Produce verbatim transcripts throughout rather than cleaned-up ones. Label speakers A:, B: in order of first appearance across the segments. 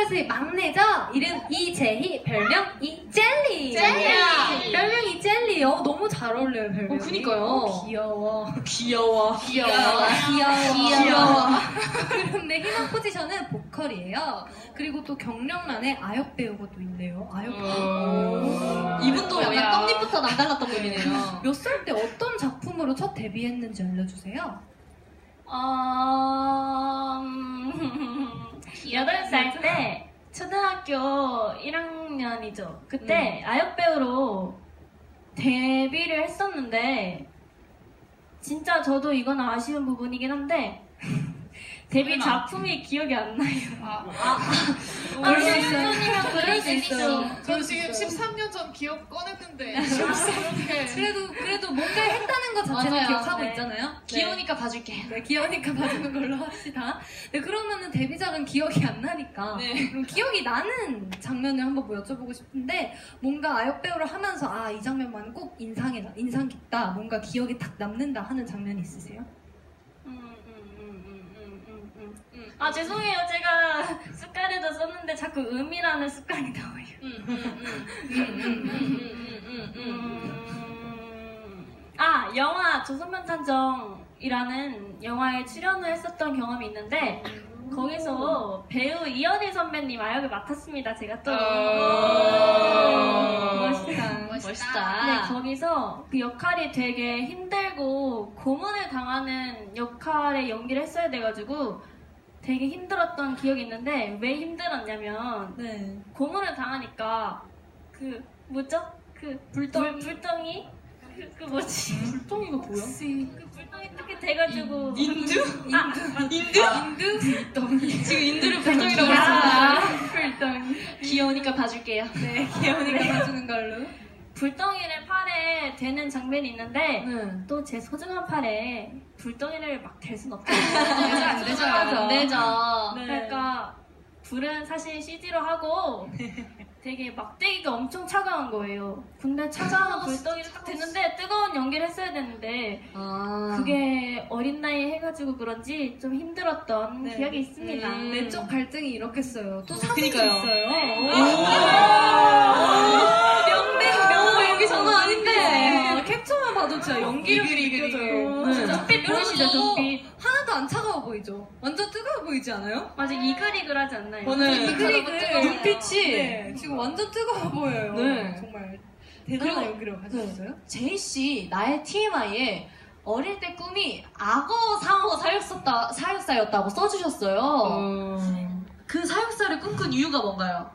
A: 보이스의 막내죠? 이름 이재희, 별명 이젤리.
B: 젤리.
A: 별명 이젤리요. 너무 잘 어울려요, 별명이.
B: 어, 그니까요.
A: 어, 귀여워.
B: 귀여워.
A: 귀여워. 귀여워.
B: 귀여워.
A: 그런데 희망 포지션은 보컬이에요. 그리고 또 경력란에 아역 배우가 또 있네요. 아역 배우.
B: 이분도 약간 떡잎부터 남달랐던 분이네요.
A: 몇 살 때 어떤 작품으로 첫 데뷔했는지 알려주세요.
C: 어... 음... 여덟 살 때 초등학교 일 학년이죠. 그때 음. 아역 배우로 데뷔를 했었는데 진짜 저도 이건 아쉬운 부분이긴 한데 데뷔 작품이 기억이 안 나요.
A: 아,
C: 아,
A: 그럴 수 있어요.
C: 그럴 수 있어요.
D: 전 지금 십삼 년 전 기억 꺼냈는데
A: 그래도 그래도 뭔가 했다는 것 자체는
B: 맞아요.
A: 기억하고
C: 네.
A: 있잖아요.
B: 귀여우니까 봐줄게.
A: 네, 귀여우니까 봐주는 걸로 합시다. 네, 그러면은 데뷔작은 기억이 안 나니까
B: 네.
A: 그럼 기억이 나는 장면을 한번 뭐 여쭤보고 싶은데 뭔가 아역 배우를 하면서 아, 이 장면만 꼭 인상에 나- 인상 깊다, 뭔가 기억에 딱 남는다 하는 장면이 있으세요?
C: 음, 음, 음, 음, 음, 음, 음, 음. 아 죄송해요. 제가 습관에도 썼는데 자꾸 음이라는 습관이 나와요.
B: 음, 음, 음, 음, 음, 음, 음, 음, 음.
C: 음... 아 영화 조선명탐정이라는 영화에 출연을 했었던 경험이 있는데 거기서 배우 이현희 선배님 아역을 맡았습니다. 제가 또 멋있다.
B: 멋있다.
C: 네, 거기서 그 역할이 되게 힘들고 고문을 당하는 역할의 연기를 했어야 돼가지고 되게 힘들었던 기억이 있는데 왜 힘들었냐면
A: 네.
C: 고문을 당하니까 그 뭐죠? 그 불덩이 불덩이 그, 그 뭐지?
B: 불덩이가 뭐야?
C: 그 불덩이 이렇게 돼가지고
B: 인두?
C: 아,
B: 인두?
A: 인두? 불덩이.
B: 지금 인두를 불덩이라고 했습니다.
C: 불덩이.
B: 귀여우니까 봐줄게요.
A: 네, 귀여우니까 봐주는 걸로.
C: 불덩이를 팔에 대는 장면이 있는데
A: 네.
C: 또 제 소중한 팔에 불덩이를 막 댈 순 없잖아요.
A: 안 되죠.
B: 안 되죠.
A: 네.
C: 그러니까 불은 사실 씨지로 하고 되게 막대기가 엄청 차가운 거예요. 근데 차가운 불덩이를 딱 댔는데 뜨거운 연기를 했어야 되는데
B: 아.
C: 그게 어린 나이에 해가지고 그런지 좀 힘들었던
A: 네.
C: 기억이 있습니다.
B: 음.
A: 내적 갈등이 이렇게 써요. 또 사진도
B: 그니까요.
A: 있어요.
B: 명대 명 여기 장난 아닌데.
A: 캡처만 봐도 진짜 연기력이 느껴져요.
B: 네.
C: 눈빛 보이시죠? 눈빛.
A: 하나도 안 차가워 보이죠? 완전 뜨거워 보이지 않아요?
C: 맞아 이글이글하지 않나요?
B: 네.
A: 이글이글.
B: 눈빛이.
A: 네, 지금 완전 뜨거워 보여요.
B: 네.
A: 정말 대단한
B: 그리고-
A: 연기력 가지셨어요?
B: 제이 씨 나의 티엠아이에 어릴 때 꿈이 악어 상어 사육사였다, 사육사였다고 써주셨어요. 그 사육사를 꿈꾼 이유가 뭔가요?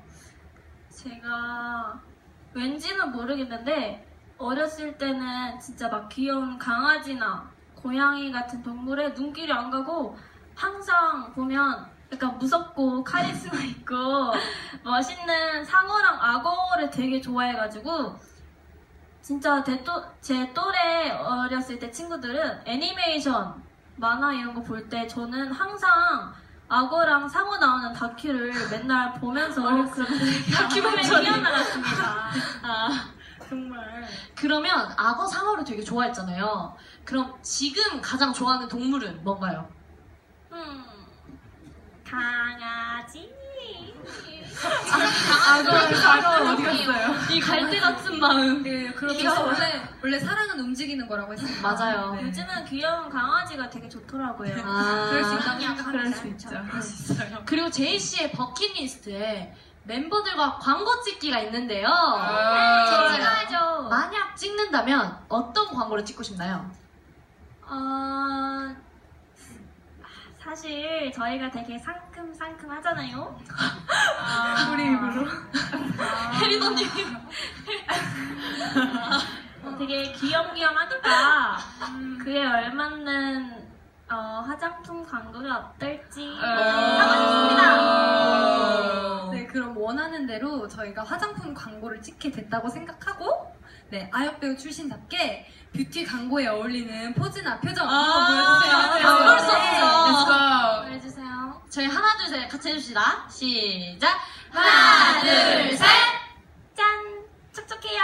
C: 제가 왠지는 모르겠는데 어렸을 때는 진짜 막 귀여운 강아지나 고양이 같은 동물에 눈길이 안 가고 항상 보면 약간 무섭고 카리스마 있고 멋있는 상어랑 악어를 되게 좋아해가지고 진짜 제, 또, 제 또래 어렸을 때 친구들은 애니메이션, 만화 이런 거 볼 때 저는 항상 악어랑 상어 나오는 다큐를 맨날 보면서 그런 다큐를 뛰어나갔습니다.
B: 아,
C: 정말.
B: 그러면 악어 상어를 되게 좋아했잖아요. 그럼 지금 가장 좋아하는 동물은 뭔가요?
C: 음, 강아지.
B: 악어 상어 어디 갔어요? 이 갈대 같은 마음.
A: 네, 그렇죠.
B: 이거-
A: 원래, 원래 사랑은 움직이는 거라고 했습니다.
B: 맞아요.
A: 네.
C: 요즘은 귀여운 강아지가 되게 좋더라고요.
B: 아,
A: 그럴 수 있다고
C: 그냥
A: 생각합니다.
C: 그럴 수 있죠.
B: 그리고 제이 씨의 버킷리스트에 멤버들과 광고 찍기가 있는데요.
A: 아,
C: 찍어야죠.
B: 만약 찍는다면 어떤 광고를 찍고 싶나요?
C: 어, 사실 저희가 되게 상큼상큼 하잖아요. 아,
A: 우리 입으로.
B: 혜린 언니.
C: 어, 되게 귀염귀염하니까 그에 얼맞는 어, 화장품 광고가 어떨지 하고 싶습니다.
A: 네, 그럼 원하는 대로 저희가 화장품 광고를 찍게 됐다고 생각하고, 네, 아역배우 출신답게 뷰티 광고에 어울리는 포즈나 표정 한번 보여주세요.
B: 아, 그럴 수 없죠.
C: 보여주세요.
B: 저희 하나 둘 셋 같이 해줍시다. 시작. 하나 둘 셋.
C: 짠! 촉촉해요.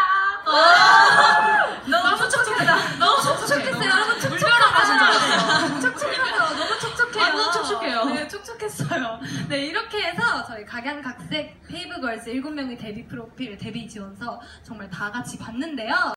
B: 너무 촉촉하다. 너무 촉촉했어요. 여러분 촉촉하다.
A: 촉촉하다. 너무 촉촉해요.
B: 완전 촉촉해요.
A: 네, 촉촉 촉촉했어요. 네, 이렇게 해서 저희 각양각색 페이브걸스 일곱 명의 데뷔 프로필 데뷔 지원서 정말 다 같이 봤는데요.